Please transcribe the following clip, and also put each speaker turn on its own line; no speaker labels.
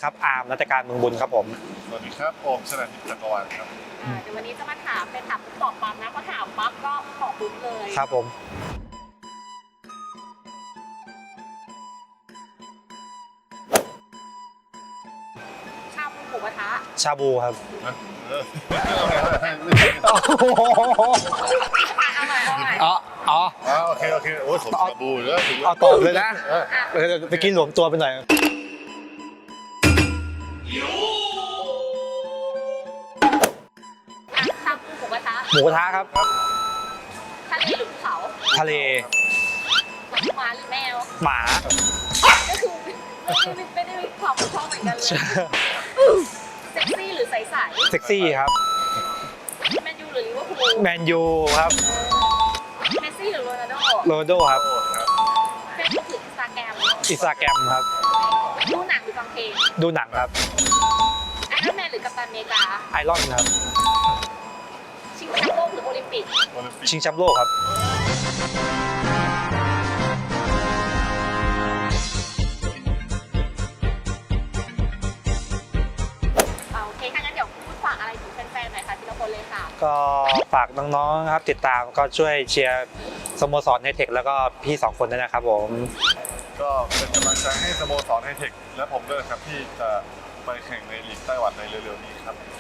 ครับอาร์มรัตการเมืองบุญครับผม
สวัสดีครับโอมชนะทิพย์จักรวาลครับ
เดี๋ยววันนี้จะมาถามเป็นถามปุ๊บตอบปั๊บนะพอถามปั๊บก็ตอบปุ๊บเลย
ครับผม
ชาบูหมูกระทะ
ชาบูครับ
เอาใหม่
อ๋อ
โอเคโอ้ยผมชาบูแล้วถึง
เอาตอบเลยนะไปกินหลวมตัวไปหน่อย
ชาบูหมูกระทะ
หมูกระทะครับ
ทะเลหรือภูเขา
ทะเล
หมาหรือแมว
หมา
ก็คือไม่ได้มีความชอบเหมือนกันเลยเซ็กซี่หรือใส
เซ็กซี่ครับ
ๆแมนยูหรือลิเวอร์พูล
แมนยูครับ
เมสซี่หรือโรนัลโด
โรนัลโดครับ
เฟซบุ๊กหรืออินสตาแกรม
อินสตาแกรมครับ
ดูหนังหรือฟังเพลง
ดูหนังครับ
ไอรอนแมนหรือกัปตันอเมริกา
ไอรอนครับ
ชิงแชมป์โลกหรือโอลิมปิก
โอลิมปิก
ชิงแชมป์โลกครับ
โอเคถ้างั้นเดี๋ยวพูดฝากอะไรถึงแฟนๆหน่อยค่ะทีละคนเลยค่ะ
ก็ฝากน้องๆครับติดตามก็ช่วยเชียร์สโมสรไฮเทคแล้วก็พี่2คนด้วยนะครับผม
ก็เป็นกำลังใจให้สโมสรไฮเทคและผมด้วยครับที่จะไปแข่งในลีกไต้หวันในเร็วๆนี้ครับ